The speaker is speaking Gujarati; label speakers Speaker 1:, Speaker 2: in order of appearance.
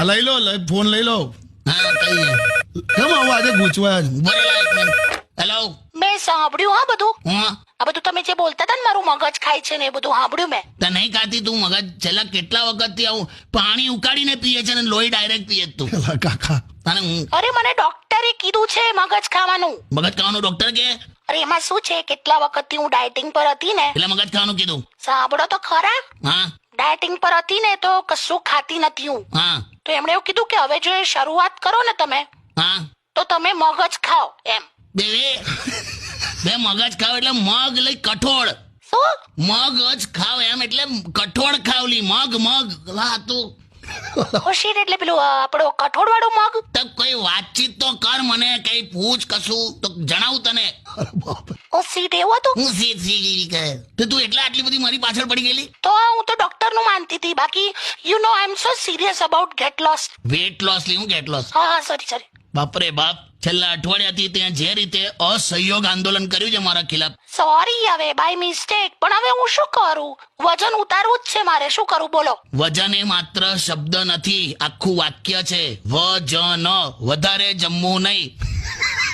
Speaker 1: લઈ લો ફોન લઈ લો.
Speaker 2: હા કઈ
Speaker 1: કેમ આવું આજે ગૂંચવાયા છે?
Speaker 2: બોલેલા એક મિનિટ. હેલો
Speaker 3: મેં સાંભળ્યું હા બધું.
Speaker 2: હા
Speaker 3: આ બધું તમે જે બોલતા હતા ને મારું મગજ ખાય છે ને એ બધું સાંભળ્યું મેં.
Speaker 2: તો નહીં ખાતી તું મગજ? છેલ્લા કેટલા વખતથી આવું પાણી ઉકાળીને પીએ છે ને લોહી ડાયરેક્ટ પીએ છે તું.
Speaker 1: એલા કાકા
Speaker 2: તને હું
Speaker 3: અરે મને ડોક્ટરે કીધું છે મગજ ખાવાનું.
Speaker 2: મગજ ખાવાનું ડોક્ટર કે
Speaker 3: અરે એમાં શું છે કેટલા વખતથી હું ડાયટિંગ પર હતી ને.
Speaker 2: એટલે મગજ ખાવાનું કીધું?
Speaker 3: સાંભળો તો ખરા.
Speaker 2: હા
Speaker 3: ડાયટિંગ પર હતી ને તો કશું ખાતી નથી હું.
Speaker 2: હા
Speaker 3: તો એમણે એવું કીધું કે હવે જો એ શરૂઆત કરો ને તમે
Speaker 2: હા
Speaker 3: તો તમે મગજ ખાઓ એમ.
Speaker 2: બે મગજ ખાવ એટલે મગ લઈ કઠોળ.
Speaker 3: શું?
Speaker 2: મગજ ખાવ એમ એટલે કઠોળ ખાવલી મગ લા તું
Speaker 3: શીટ એટલે પેલું આપણો કઠોળ વાળું મગ.
Speaker 2: તો કોઈ વાતચીત તો કર, મને કઈ પૂછ કશું તો જણાવું તને.
Speaker 3: ઓ શીટ એવું હતું.
Speaker 2: હું સી કહે તો તું એટલે આટલી બધી મારી પાછળ પડી ગયેલી?
Speaker 3: તો હું તો ડોક્ટર નું માનતી હતી. બાકી you know I am so serious about get lost.
Speaker 2: Weight loss લી હું ગેટ લોસ?
Speaker 3: હા સોરી.
Speaker 2: બાપરે બાપ, છેલ્લા અઠવાડિયાથી ત્યાં જે રીતે અસહયોગ આંદોલન કર્યું છે મારા ખિલાફ.
Speaker 3: સોરી હવે બાય મિસ્ટેક. પણ હવે હું શું કરું? વજન ઉતારવું જ છે મારે. શું કરું બોલો?
Speaker 2: વજન એ માત્ર શબ્દ નથી, આખું વાક્ય છે. વજન, વધારે જમવું નહીં.